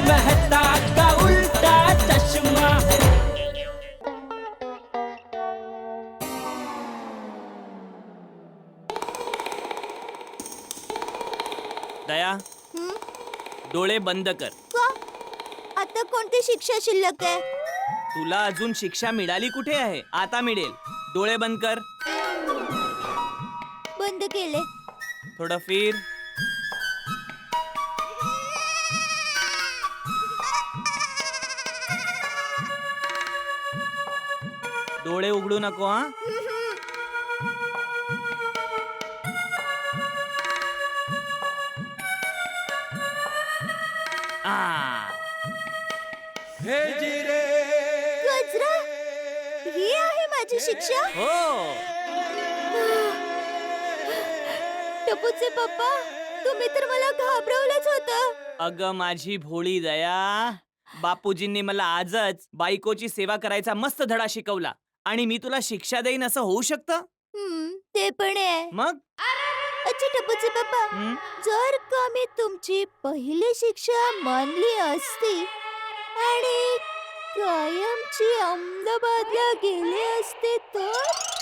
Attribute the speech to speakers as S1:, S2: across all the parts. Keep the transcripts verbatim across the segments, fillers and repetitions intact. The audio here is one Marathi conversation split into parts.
S1: मेहता का उल्टा चश्मा।
S2: दया, डोळे बंद कर.
S3: का? आता कोणती शिक्षा शिल्लक आहे?
S2: तुला अजून शिक्षा मिळाली कुठे आहे? आता मिळेल. डोळे बंद कर.
S3: बंद केले.
S2: थोडं फिर. डोळे उघडू नको हा. आ.
S3: गजरा, ही आहे माझी शिक्षा?
S2: हो.
S3: टपूचे पप्पा, तुम्ही तर मला घाबरवलंच होतं.
S2: अगं माझी भोळी दया, बापूजींनी मला आजच बायकोची सेवा करायचा मस्त धडा शिकवला आणि मी तुला शिक्षा देईन असं होऊ शकतं?
S3: हम्म, ते पण आहे.
S2: मग
S3: अच्छा टपूचे पप्पा,
S2: हं?
S3: जर का मी तुमची पहिली शिक्षा मानली असती आणि कायमची अहमदाबादला गेले असते तर?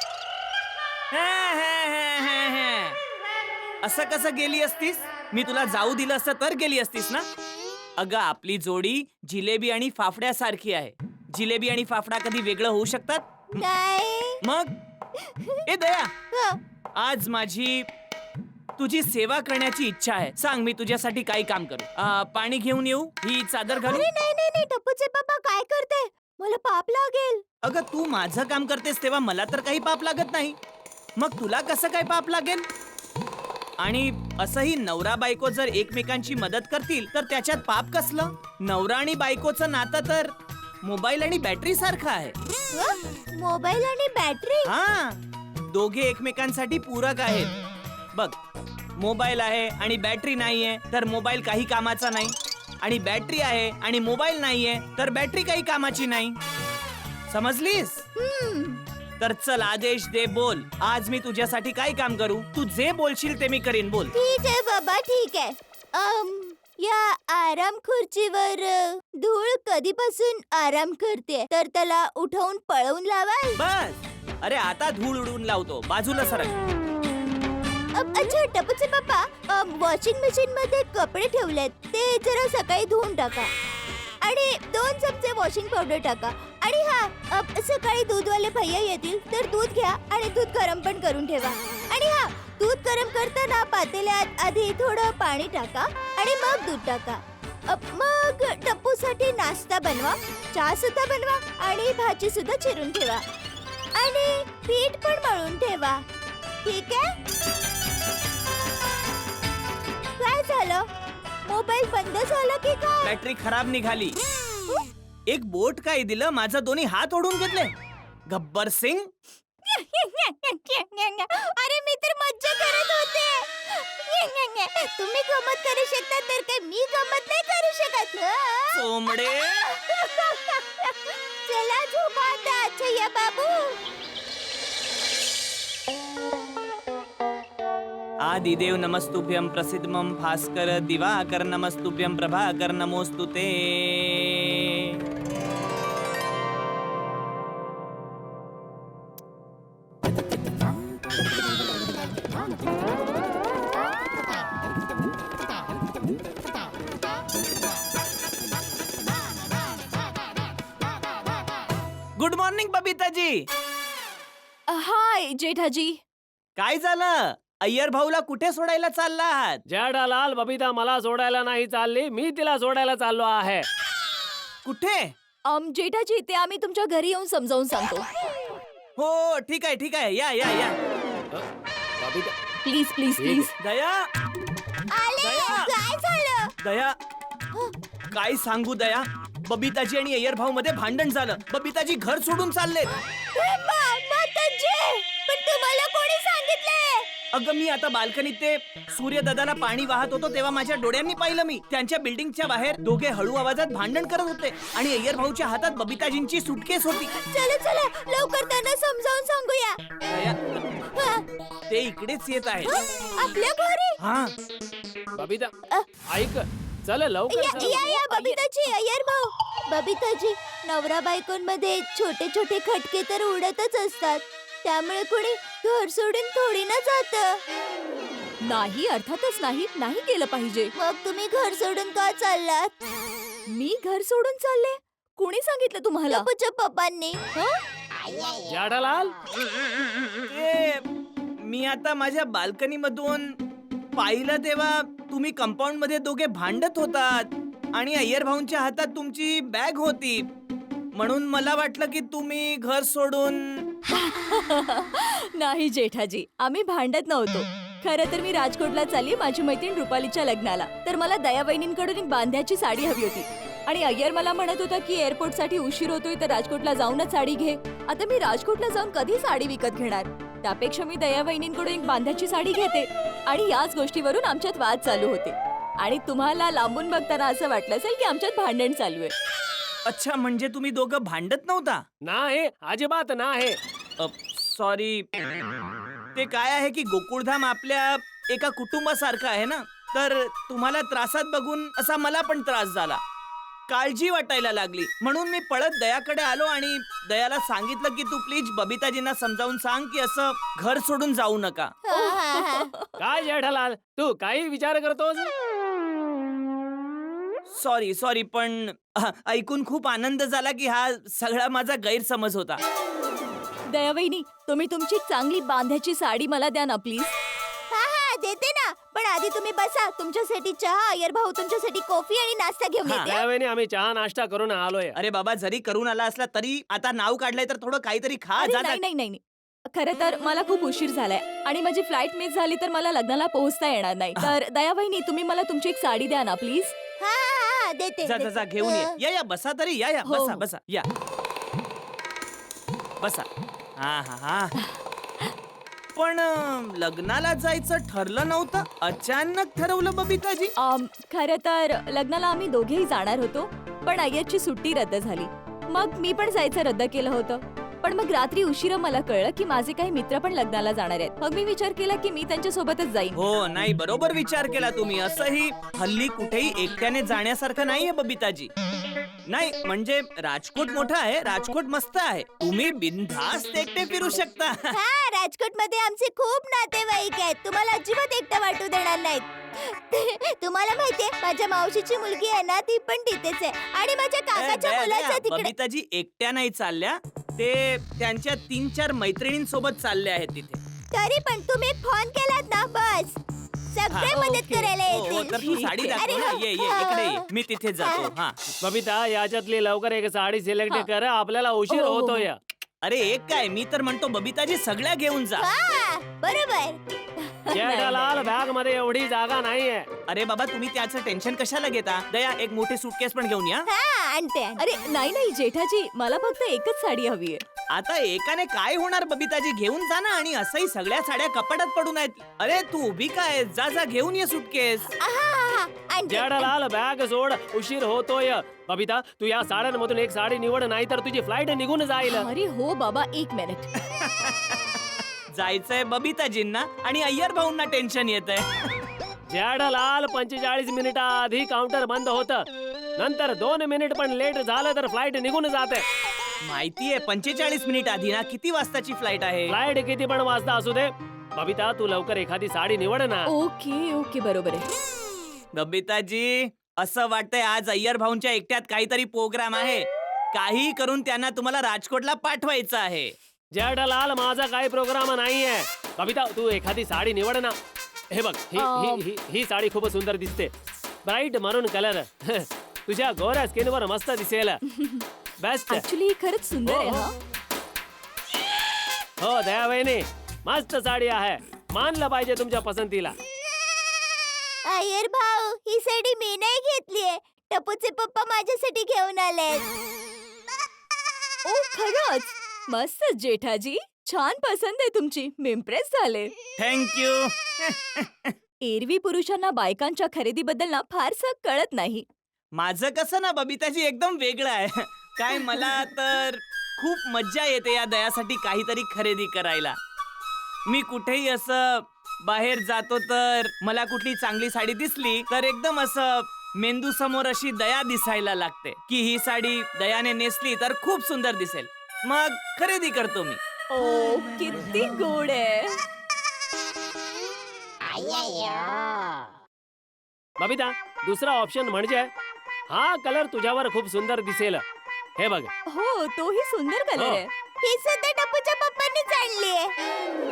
S2: हे, हे, हे, हे, हे. असं कसं गेली असतीस? मी तुला जाऊ दिलं असतं तर गेली असतीस ना? अगं आपली जोडी जिलेबी आणि फाफड्यासारखी आहे. जिलेबी आणि फाफडा कधी वेगळं होऊ शकतात?
S3: नाही.
S2: मग ए दया,
S3: हं.
S2: आज माझी तुझी सेवा करण्याची इच्छा आहे. सांग मी तुझ्यासाठी काही काम करू. आ, पाणी घेऊन येऊ? ही चादर घालू?
S3: अरे नाही नाही नाही टपूचे पप्पा, काय करते? मला पाप लागेल.
S2: अगं तू माझं काम करतेस तेव्हा मला तर काही पाप लागत नाही. मग तुला कसं काय पाप लागेल? आणि असंही नवरा बायको जर एकमेकांची मदत करतील तर त्याच्यात पाप कसलं? नवरा आणि बायकोचं नातं तर मोबाईल आणि बॅटरी सारखं आहे.
S3: हं? मोबाईल आणि बॅटरी?
S2: हा, दोघे एकमेकांसाठी पूरक आहेत. बघ, मोबाईल आहे आणि बॅटरी नाहीये तर मोबाईल काही कामाचा नाही, आणि बॅटरी आहे आणि मोबाईल नाहीये तर बॅटरी काही कामाची नाही. समजलीस?
S3: हम्म.
S2: तर चल आदेश दे, बोल. आज मी तुझ्यासाठी काय काम करू? तू जे बोलशील ते मी करीन. बोल.
S3: ठीक आहे बाबा, ठीक आहे. अम, या आराम खुर्चीवर अ, धूळ कधीपासून आराम करते, तर त्याला उठवून पळवून लावाल?
S2: बस. अरे आता धूळ उडवून लावतो. बाजूला सरक.
S3: अ- अच्छा टपूचे पप्पा, वॉशिंग मशीन मध्ये कपडे ठेवलेत, ते जरा सकाळी धुवून टाका. आणि दोन चमचे वॉशिंग पावडर टाका. आणि हा, अ, सकाळी दूधवाले भैया येतील तर दूध घ्या आणि दूध गरम पण करून ठेवा. आणि हा, दूध गरम करताना पातेल्यात आधी थोडं पाणी टाका आणि मग दूध टाका. अ, मग टप्पूसाठी नाश्ता बनवा, चहा सुद्धा बनवा आणि भाजी सुद्धा चिरून ठेवा. आणि पीठ पण मळून ठेवा. ठीक आहे? काय झालं? मोबाईल बंद झाला की काय?
S2: बॅटरी खराब निघाली. एक बोट काय दिलं, माझा दोन्ही हात ओढून घेतले. गब्बर सिंग.
S3: अरे मी तर मज्जा करत होते. तुम्ही गमत करू शकता तर काय मी गमत नाही करू शकत? हं?
S2: चोमडे.
S3: चला झोपा आता छय्या बाबू.
S2: आदिदेव नमस्तुभ्यं प्रसिद्धमं भास्कर दिवाकर नमस्तुभ्यं प्रभाकर नमोस्तुते. Good morning Babita ji.
S3: Hi Jetha ji.
S2: काय झालं? अय्यर भाऊला कुठे सोडायला चालला आहात?
S4: जेठालाल, बबिता मला सोडायला नाही चालली, मी तिला सोडायला चाललो आहे.
S2: कुठे?
S3: अम जेठाजी, ते आम्ही तुमच्या घरी येऊन समजावून सांगतो.
S2: हो ठीक आहे ठीक आहे, या या या.
S4: बबिता,
S3: प्लीज प्लीज
S4: ठीक
S3: प्लीज.
S2: दया. दया.
S3: काय झालं?
S2: दया, काय सांगू दया, बबिताजी आणि अय्यर भाऊ मध्ये भांडण झालं. बबिताजी घर सोडून चाललेत.
S3: पण तुम्हाला कोणी सांगितलंय?
S2: अगं मी आता बाल्कनीत ते सूर्यदादाला पाणी वाहत होतो तेव्हा माझ्या डोळ्यांनी पाहिलं. मी त्यांच्या बिल्डिंगच्या बाहेर दोघे हळू आवाजात भांडण करत होते आणि अय्यर भाऊच्या हातात बबिताजींची सुटकेस होती.
S3: चला चला लवकर त्यांना समजावून सांगूया.
S2: दया,
S3: हा?
S2: ते इकडेच येत आहेत.
S3: आपल्या घरी?
S2: हा.
S4: बबिता
S3: अ.
S4: ऐक, चल लवकर
S3: या
S4: चल.
S3: या या बबिताजी अय्यर भाऊ बबिताजी नवरा बायकोंमध्ये छोटे छोटे खटके तर उडतच असतात त्यामुळे कोणी घर सोडून थोडी ना जात.
S5: नाही अर्थातच नाही नाही केलं पाहिजे.
S3: मग तुम्ही घर सोडून का चाललात?
S5: मी घर सोडून चालले? कोणी सांगितलं तुम्हाला?
S3: टपूच्या पप्पांनी.
S4: जेठालाल
S2: ते मी आता माझ्या बाल्कनी मधून पाहिलं तेव्हा तुम्ही कंपाऊंड मध्ये दोघे भांडत होतात आणि अय्यर भाऊंच्या हातात तुमची बॅग होती म्हणून मला वाटलं की तुम्ही घर सोडून.
S5: नाही जेठाजी आम्ही भांडत नव्हतो. खरं तर मी राजकोटला चालली माझी मैत्रीण रुपालीच्या लग्नाला. तर मला दया वहिनींकडून एक बांध्याची साडी हवी होती आणि अय्यर मला म्हणत होता की एअरपोर्ट साठी उशीर होतोय तर राजकोटला जाऊनच साडी घे. आता मी राजकोटला जाऊन कधी साडी विकत घेणार? त्यापेक्षा मी दया वहिनींकडून एक बांध्याची साडी घेते. आणि याच गोष्टीवरून आमच्यात वाद चालू होते आणि तुम्हाला लांबून बघताना असं वाटलं असेल की आमच्यात भांडण चालू आहे.
S2: अच्छा म्हणजे तुम्ही दोघं भांडत नव्हता?
S4: नाही अजिबात नाही.
S2: सॉरी. ते काय आहे की गोकुळधाम आपल्या एका कुटुंबासारखं आहे ना तर तुम्हाला त्रासात बघून असा मला पण त्रास झाला. काळजी वाटायला लागली म्हणून मी पळत दयाकडे आलो आणि दयाला सांगितलं की तू प्लीज बबिताजींना समजावून सांग की असं घर सोडून जाऊ नका.
S3: हा, हा, हा.
S4: काय जेठालाल तू काही विचार करतोस?
S2: सॉरी सॉरी पण अह, ऐकून खूप आनंद झाला की हा सगळा माझा गैरसमज होता.
S5: दया वहिनी तुम्ही तुमची चांगली बांध्याची साडी मला द्या ना प्लीज.
S3: हा हा देते ना पण आधी तुम्ही बसा. तुमच्यासाठी चहा अय्यर भाऊ तुमच्यासाठी कॉफी आणि नाश्ता घेऊन
S2: हा.
S3: येते.
S4: त्यावेळी आम्ही चहा नाश्ता करून आलोय.
S2: अरे बाबा जरी करून आला असला तरी आता नाव काढलंय तर थोडं काहीतरी खा.
S5: अरे
S2: जा
S5: नाही
S2: जा.
S5: नाही नाही नाही. खरं तर मला खूप उशीर झालाय आणि माझी फ्लाईट मिस झाली तर मला लग्नाला पोहोचता येणार नाही. तर दया वहिनी तुम्ही मला तुमची एक साडी द्या ना प्लीज.
S3: हा हा हा देते
S2: जा जा जा
S3: देते.
S2: घेऊन ये.
S3: अ,
S2: या या बसा तरी या या
S5: हो,
S2: बसा
S5: हो.
S2: बसा या बसा. हा हा हा पण अं, लग्नाला जायचं ठरलं नव्हतं अचानक ठरवलं बबिताजी.
S5: अम, खरं तर लग्नाला आम्ही दोघेही जाणार होतो पण अय्यरची सुट्टी रद्द झाली. मग मी पण जायचं रद्द केलं होतं. पण मग रात्री उशिरा मला कळलं की माझे काही मित्र पण लग्नाला जाणार आहेत. मग मी विचार केला की मी त्यांच्या सोबतच जाईन.
S2: हो नाही बरोबर विचार केला तुम्ही. असंही हल्ली कुठेही एकट्याने जाण्यासारखं नाहीये बबिताजी. नाही म्हणजे राजकोट मोठं आहे राजकोट मस्त आहे. तुम्ही बिनधास्त एकटे फिरू शकता.
S3: हा राजकोट मध्ये आमचे खूप नातेवाईक आहेत. तुम्हाला अजिबात एकटं वाटू देणार नाहीत. तुम्हाला माहितीये माझ्या मावशीची मुलगी आहे ना ती पण तिथेच आहे आणि माझ्या काकाच्या
S2: दया,
S3: मुलाचं
S2: दया,
S3: तिकडे.
S2: बबिताजी एकट्या नाही चालल्या. ते त्यांच्या तीन चार मैत्रिणींसोबत चालले आहेत तिथे.
S3: तरी पण तुम्ही फोन केलात ना बस सगळे
S2: हा,
S3: मदत
S5: ओके.
S3: करायला
S2: हो, हो,
S3: येतील.
S2: तर तू साडी दाखव
S3: अरे,
S2: ना.
S3: हो,
S2: ये ये
S3: हो,
S2: इकडे
S3: हो.
S2: ये मी तिथे जातो. हा
S4: बबिता याच्यातली लवकर एक साडी सिलेक्ट
S5: हा.
S4: कर आपल्याला उशीर
S5: हो, हो, हो.
S4: होतोय.
S2: अरे एक काय मी तर म्हणतो बबिताजी सगळ्या घेऊन जा.
S3: हा बरोबर.
S4: जेठालाल बॅग मध्ये एवढी जागा नाहीये.
S2: अरे बाबा तुम्ही त्याचं टेन्शन कशाला घेता. दया एक मोठी सुटकेस पण घेऊन या.
S3: हा आणते आणते.
S5: अरे नाही नाही जेठाजी मला फक्त एकच साडी हवी आहे.
S2: आता एकाने काय होणार बबिताजी घेऊन जा ना. आणि असंही सगळ्या साड्या कपाटात पडून आहेत. अरे तू उभी काय जा जा घेऊन ये सुटकेस.
S3: हा, हा, हा, आणते.
S4: जेठालाल बॅग सोड उशीर होतोय. बबिता तू या साड्यांमधून एक साडी निवड नाही तर तुझी फ्लाईट निघून जाईल.
S5: अरे हो बाबा एक मिनिट.
S2: जायचंय बबिताजींना आणि अय्यर भाऊंना टेन्शन येतंय.
S4: जेठालाल पंचेचाळीस मिनिटा आधी काउंटर बंद होत नंतर दोन मिनिट पण लेट झालं तर फ्लाईट निघून जाते.
S2: माहितीये पंचेचाळीस मिनिट आधी ना किती वाजताची फ्लाईट आहे.
S4: फ्लाईट किती पण वाजता असू दे. बबिता तू लवकर एखादी साडी निवड ना.
S5: ओके ओके बरोबर आहे.
S2: बबिताजी असं वाटतंय आज अय्यर भाऊंच्या एकट्यात काहीतरी प्रोग्राम आहे. काही करून त्यांना तुम्हाला राजकोटला पाठवायचं आहे.
S4: जेठालाल माझा काही प्रोग्राम नाहीये. बबिता तू एखादी साडी निवड ना. हे बघ ही ही ही ही साडी खूप सुंदर दिसते. ब्राईट मरून कलर तुझ्या गोऱ्या स्किनवर मस्त दिसेल. बेस्ट.
S5: ऍक्च्युली खरंच सुंदर आहे
S4: हो,
S5: हा.
S4: हो दया वहिनी मस्त साडी आहे. मानलं पाहिजे तुमच्या पसंतीला.
S3: अय्यर भाऊ ही साडी मी नाही घेतलीये. टपूचे पप्पा माझ्यासाठी घेऊन आले.
S5: ओ खरंच मस्त जेठाजी छान पसंत आहे तुमची. मी इम्प्रेस झाले.
S2: थँक्यू.
S5: एरवी पुरुषांना बायकांच्या खरेदीबद्दल ना फारसं कळत नाही.
S2: माझं कसं ना बबिताजी एकदम वेगळं आहे. काय मला तर खूप मज्जा येते या दयासाठी काहीतरी खरेदी करायला. मी कुठेही असं बाहेर जातो तर मला कुठली चांगली साडी दिसली तर एकदम असं मेंदू समोर अशी दया दिसायला लागते की ही साडी दयाने नेसली तर खूप सुंदर दिसेल. मग खरेदी करतो मी.
S5: ओ किती गोड आहे.
S4: बबिता, दुसरा ऑप्शन म्हणजे हा कलर तुझ्यावर खूप सुंदर दिसेल. हे बघ.
S5: हो तोही सुंदर कलर
S4: हो.
S5: आहे.
S3: ही सुद्धा टपूच्या पप्पांनीच आणलीये.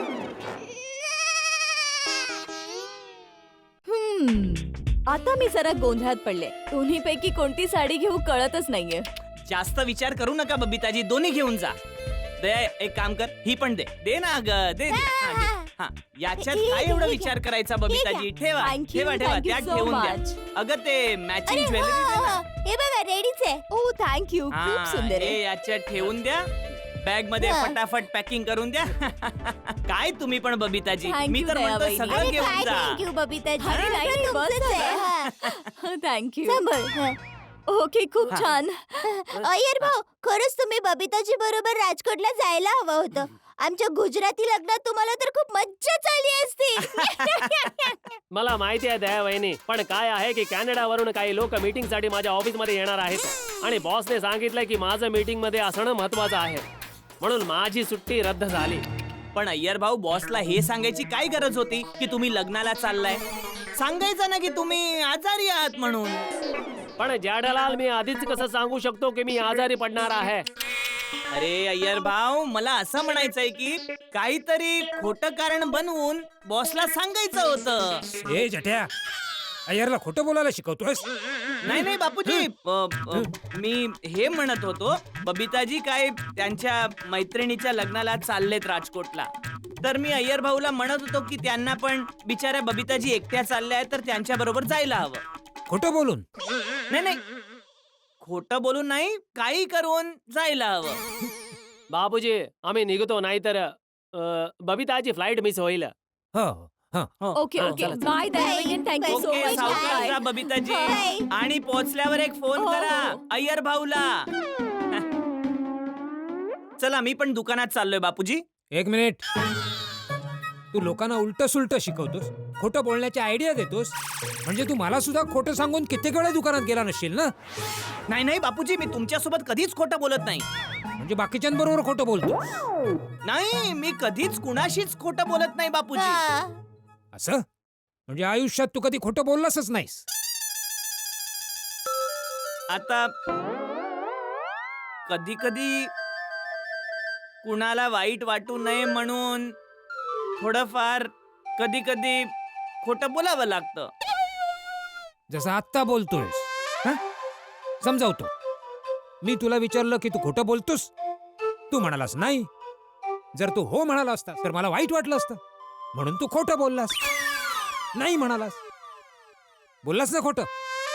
S5: हम्म आता मी जरा गोंधळात पडले. दोन्ही पैकी कोणती साडी घेऊ कळतच नाहीये.
S2: जास्त विचार करू नका बबिताजी, दोन्ही घेऊन जा. दया एक काम कर, ही पण दे. दे ना ग, दे दे. हा, घे. हा, याच्यात
S3: हे
S2: काय
S3: घे,
S2: एवढा
S3: हे घे.
S2: विचार करायचा
S3: हे
S2: बबिताजी?
S3: घ्या.
S2: ठेवा
S5: Thank you,
S2: ठेवा ठेवा
S5: thank you
S2: त्यात
S5: so
S2: ठेवून
S5: much.
S2: द्या. अगं ते
S3: अरे
S2: मॅचिंग
S3: हा,
S2: ज्वेलरी
S3: हा, हा. हे बघा रेडीच आहे.
S5: ओ थँक्यू खूप सुंदर
S2: हे
S5: आहे.
S2: याच्यात ठेवून द्या. बॅग मध्ये
S3: हा.
S2: फटाफट पॅकिंग करून द्या. काय तुम्ही पण बबिताजी,
S5: Thank
S2: मी
S5: you,
S2: तर म्हणतो
S5: दयाबाई.
S2: सगळं
S3: अरे
S2: घेऊन
S3: काय
S2: जा.
S3: थँक्यू बबिताजी.
S5: अरे नाही,
S3: सगळं
S5: नाही, बस
S3: तुमचंच आहे.
S5: झालं.
S3: हा.
S5: थँक्यू.
S3: सांभाळ. हा.
S5: ओके खूप
S2: हा.
S5: छान.
S3: अय्यर भाऊ, खरंच तुम्ही बबिताजी बरोबर राजकोटला जायला हवं होतं. आमच्या गुजराती लग्नात तुम्हाला तर खूप मज्जा झाली असती.
S4: मला माहिती आहे दया वहिनी, पण काय आहे की कॅनडावरून काही लोक मीटिंग साठी माझ्या ऑफिस मध्ये येणार आहेत आणि बॉसने सांगितलं की माझं मीटिंग मध्ये असणं महत्वाचं आहे, म्हणून माझी सुट्टी रद्द झाली.
S2: पण अय्यर भाऊ, बॉसला हे सांगायची काय गरज होती की तुम्ही लग्नाला चाललाय? सांगायचं ना की तुम्ही आजारी आहात म्हणून.
S4: पण जॅठालाल, मी आधीच कसं सांगू शकतो की मी आजारी पडणार आहे?
S2: अरे अय्यर भाऊ, मला असं म्हणायचंय की काहीतरी खोटं कारण बनवून बॉसला सांगायचं होतं.
S6: हे जट्या, अय्यरला खोटं बोलायला शिकवतोयस?
S2: नाही नाही बापूजी, अ, अ, मी हे म्हणत होतो, बबिताजी काय त्यांच्या मैत्रिणीच्या लग्नाला चाललेत राजकोटला. तर मी अय्यर भाऊला म्हणत होतो की त्यांना पण बिचाऱ्या बबिताजी एकट्या चालल्या आहेत तर त्यांच्या बरोबर जायला हवं.
S6: खोटं बोलून?
S2: नाही नाही, खोटं बोलून नाही, काही करून जायला हवं.
S4: बाबूजी, आम्ही निघतो, नाहीतर अ, बबिताची फ्लाईट मिस होईल.
S6: हो हो.
S2: हो.
S5: ओके
S4: हा,
S5: ओके
S4: चला, चला.
S5: बाय दयाबाई, थँक्यू सो
S2: ओके,
S5: मच.
S2: सावकाश जा बबिताजी.
S3: बाय.
S2: आणि पोहोचल्यावर एक फोन
S5: हो,
S2: करा
S5: हो.
S2: अय्यर भाऊला. चला, मी पण दुकानात चाललोय बापूजी.
S6: एक मिनिट. तू लोकांना उलट सुलट शिकवतोस, खोटं बोलण्याची आयडिया देतोस. म्हणजे तू मला सुद्धा खोटं सांगून कित्येक वेळा दुकानात गेला नसशील ना?
S2: नाही नाही बापूजी, मी तुमच्यासोबत कधीच खोटं बोलत नाही.
S6: म्हणजे बाकीच्यांबरोबर खोटं बोलतो
S2: नाही, मी कधीच कुणाशीच खोटं बोलत नाही बापूजी.
S3: हा.
S6: असं? म्हणजे आयुष्यात तू कधी खोटं बोललासच नाहीस?
S2: आता कधी कधी कुणाला वाईट वाटू नये म्हणून थोडंफार कधी कधी खोटं बोलावं लागतं.
S6: जसं आत्ता बोलतोयस. हं? समजावतो. मी तुला विचारलं की तू खोटं बोलतोस, तू म्हणालास नाही. जर तू हो म्हणाला असता तर मला वाईट वाटलं असतं, म्हणून तू खोटं बोललास. नाही म्हणालास, बोललास ना खोटं.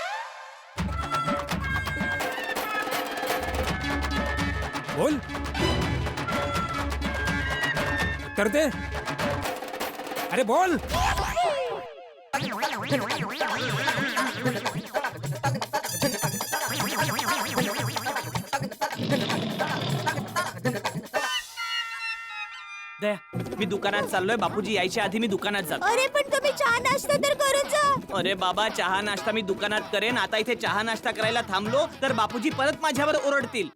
S6: बोल, उत्तर दे. अरे बोल.
S2: दया, मी दुकानात चाललोय. बापूजी यायच्या आधी मी दुकानात जातो.
S3: अरे पण तुम्ही चहा नाश्ता तर करून जा.
S2: अरे बाबा, चहा नाश्ता मी दुकानात करेन. आता इथे चहा नाश्ता करायला थांबलो तर बापूजी परत माझ्यावर ओरडतील.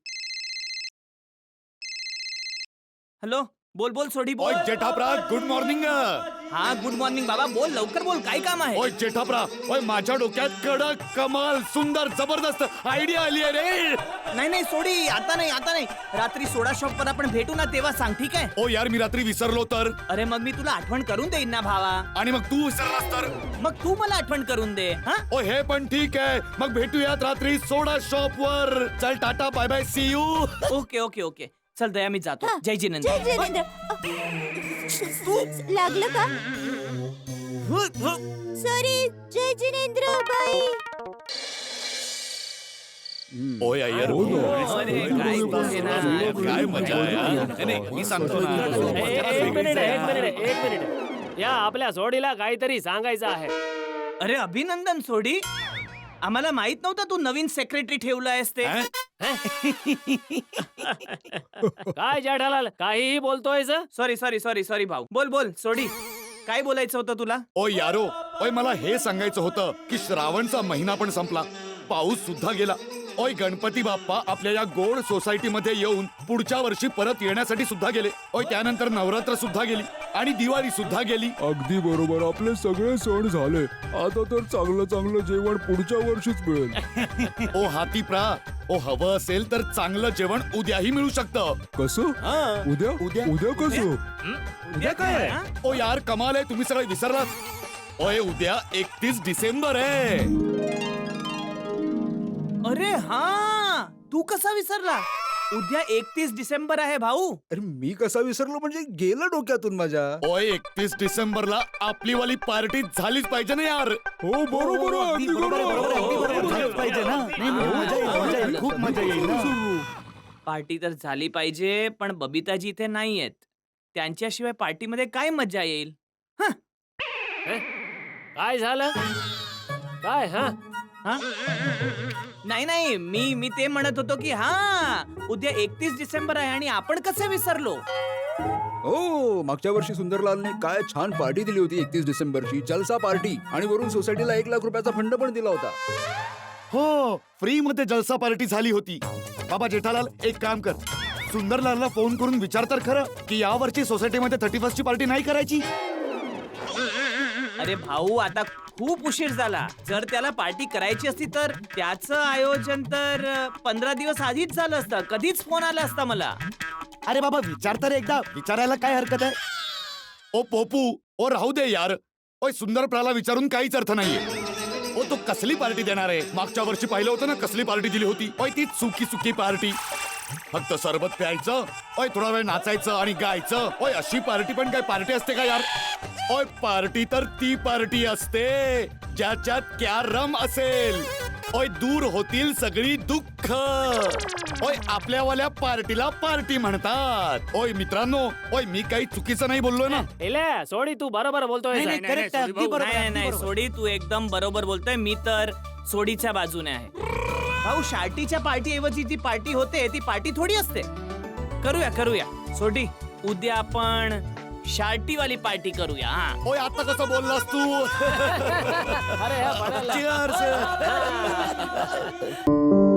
S2: हॅलो, बोल बोल सोडी बोल.
S7: ओय जेठाप्रा, गुड मॉर्निंग.
S2: हा, गुड मॉर्निंग बाबा. बोल लवकर बोल, काय काम आहे?
S7: ओय जेठाप्रा, ओय माझ्या डोक्यात कडक, कमाल, सुंदर, जबरदस्त आयडिया आली आहे रे.
S2: नाही नाही सोडी, आता नाही आता नाही. रात्री सोडा शॉप वर आपण भेटू ना, तेव्हा सांग, ठीक आहे?
S7: ओ यार, मी रात्री विसरलो तर.
S2: अरे मग मी तुला आठवण करून देईन ना भावा.
S7: आणि मग तू विसरलास तर.
S2: मग तू मला आठवण करून दे. हा,
S7: ओ हे पण ठीक आहे. मग भेटूयात रात्री सोडा शॉप वर. चल tata, bye bye, see you.
S2: Okay okay okay. चल दया, मी जातो.
S3: हा.
S2: जय जिनेंद्र.
S3: जय जिनेंद्र. लागलं का? सॉरी. जय जिनेंद्र बाई.
S7: ओय अय्यर,
S2: अरे, काय बोलते ना.
S7: काय मजा आहे यार. नाही, नाही, मी सांगतो ना.
S4: ए, ए, एक मिनिट एक मिनिट एक मिनिट या आपल्या सोडीला काहीतरी सांगायचं आहे.
S2: अरे अभिनंदन सोडी. आम्हाला माहित नव्हतं तू नवीन सेक्रेटरी ठेवलायस ते.
S7: हं?
S4: काय जेठालाल, काहीही बोलतोय?
S2: सॉरी सॉरी सॉरी सॉरी भाऊ. बोल बोल सोडी, काय बोलायचं होतं तुला?
S7: ओ यारो, ओय मला हे सांगायचं होतं की श्रावणचा महिना पण संपला, पाऊस सुद्धा गेला. ओय गणपती बाप्पा आपल्या या गोड सोसायटी मध्ये येऊन पुढच्या वर्षी परत येण्यासाठी सुद्धा गेले. ओय त्यानंतर नवरात्र सुद्धा गेली आणि दिवाळी सुद्धा गेली.
S8: अगदी बरोबर. आपले सगळे सण झाले. आता तर चांगलं चांगलं जेवण पुढच्या वर्षीच मिळेल.
S7: ओ हाती प्रा, ओ हवं असेल तर चांगलं जेवण उद्याही मिळू शकतं.
S8: कसं? उद्या
S7: उद्या?
S8: उद्या कसं?
S2: उद्या काय आहे?
S7: ओ यार कमाल आहे, तुम्ही सगळे विसरलात. ओय उद्या एकतीस डिसेंबर आहे.
S2: अरे हा, तू कसा विसरला? उद्या एकतीस डिसेंबर आहे भाऊ.
S8: अरे मी कसा विसरलो म्हणजे गेलं डोक्यातून माझ्या.
S7: ओय एकतीस डिसेंबरला आपली वाली पार्टी झालीच पाहिजे ना यार.
S8: हो बरोबर आहे, अगदी बरोबर.
S7: झालीच पाहिजे ना. मजा येईल, मजा येईल, खूप मजा येईल ना.
S2: पार्टी तर झाली पाहिजे, पण बबिताजी इथे नाहीयेत. त्यांच्याशिवाय पार्टीमध्ये काय मजा येईल?
S4: काय झालं? काय हा
S2: हा? नाही नाही, मी मी ते म्हणत होतो की हा उद्या एकतीस डिसेंबर आहे आणि आपण कसे विसरलो?
S8: हो, मागच्या वर्षी सुंदरलालने काय छान पार्टी दिली होती एकतीस डिसेंबरची, जलसा पार्टी. आणि वरून सोसायटीला एक लाख रुपयाचा फंड पण दिला होता.
S7: हो, फ्री मध्ये जलसा पार्टी झाली होती. बाबा जेठालाल एक काम कर, सुंदरलालला फोन करून विचार तर खरं की या वर्षी सोसायटीमध्ये थर्टी फर्स्ट ची पार्टी नाही करायची.
S2: अरे भाऊ, आता खूप उशीर झाला. जर त्याला पार्टी करायची असती तर त्याचं आयोजन तर पंधरा दिवस आधीच झालं असतं. कधीच फोन आला असता मला.
S7: अरे बाबा विचार तर एकदा, विचारायला काय हरकत आहे. ओ पोपू, ओ राहू दे यार. ओय सुंदर प्राला विचारून काहीच अर्थ नाहीये. ओ तो कसली पार्टी देणार आहे? मागच्या वर्षी पाहिलं होतं ना कसली पार्टी दिली होती. ओय ती सुकी सुकी पार्टी, फक्त सरबत प्यायचं, ओय थोडा वेळ नाचायचं आणि गायचं. ओय अशी पार्टी पण काय पार्टी असते का यार? ओय पार्टी तर ती पार्टी असते ज्याच्यात कॅरम असेल. ओय दूर होतील सगळी दुःख. ओय आपल्यावाल्या पार्टीला पार्टी म्हणतात. ओय मित्रांनो, ओय मी काही चुकीचं नाही बोललोय ना?
S4: एले सोडी, तू बरोबर बोलतोय.
S2: नाही नाही, नाही सोडी, तू एकदम बरोबर बोलतोय. मी तर सोडीच्या बाजूने आहे. भाऊ, शार्टीच्या पार्टी ऐवजी जी पार्टी होते ती पार्टी थोडी असते. करूया करूया सोडी, उद्या आपण शार्टी वाली पार्टी करूया. हा,
S7: ओय आता कसं बोललास तू?
S4: अरे हा, पडायला.
S7: Cheers.